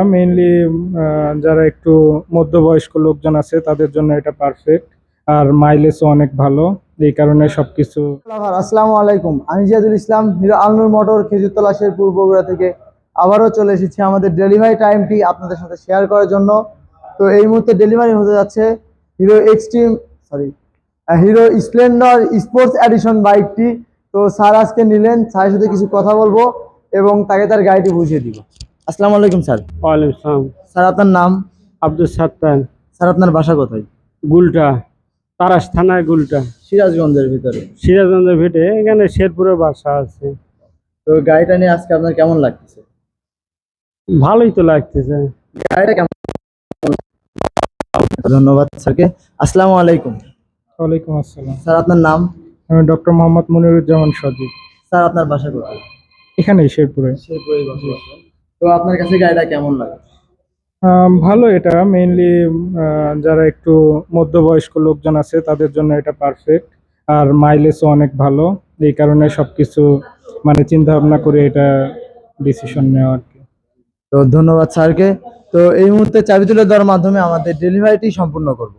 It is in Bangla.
মেইনলি যারা একটু মধ্যবয়স্ক লোকজন আছে তাদের জন্য এটা পারফেক্ট। আর মাইলেজও অনেক ভালো, এই কারণে সবকিছু। আসসালামু আলাইকুম, আমি জিয়াদুল ইসলাম, হিরো আলনুর মোটর খেজুরতলা শেরপুর বগুড়া থেকে আবারও চলে এসেছি আমাদের ডেলিভারি টাইমটি আপনাদের সাথে শেয়ার করার জন্য। তো এই মুহূর্তে ডেলিভারি হতে যাচ্ছে Hero Xtreme sorry Hero Splendor sports edition বাইকটি। তো স্যার আজকে নিলেন, স্যারের সাথে কিছু কথা বলবো এবং তাকে তার গাড়িটি বুঝিয়ে দিব। আসসালামু আলাইকুম স্যার। ওয়ালাইকুম আসসালাম। স্যার আপনার নাম? আব্দুল সাত্তার। স্যার আপনার বাসা কোথায়? গুলটা, তারাস থানায় গুলটা, সিরাজগঞ্জের ভিতরে। সিরাজগঞ্জের ভিটে, এখানে শেরপুরে বাসা আছে। তো গাড়িটা নিয়ে আজকে আপনার কেমন লাগতেছে? ভালোই তো লাগতেছে। গাড়িটা কেমন? ধন্যবাদ স্যারকে। আসসালামু আলাইকুম। ওয়ালাইকুম আসসালাম। স্যার আপনার নাম? আমি ডক্টর মোহাম্মদ মনিরুজ্জামান সজীব। স্যার আপনার বাসা কোথায়? এখানেই শেরপুরে। শেরপুরেই বাসা। তো আপনার কাছে গাড়িটা কেমন লাগে? ভালো, এটা মেইনলি যারা একটু মধ্যবয়স্ক লোকজন আছে তাদের জন্য এটা পারফেক্ট। আর মাইলেজও অনেক ভালো, এই কারণে সবকিছু মানে চিন্তা ভাবনা করে এটা ডিসিশন নেওয়া আর কি। তো ধন্যবাদ স্যারকে। তো এই মুহূর্তে চাবি তুলে দেওয়ার মাধ্যমে আমাদের ডেলিভারিটি সম্পূর্ণ করব।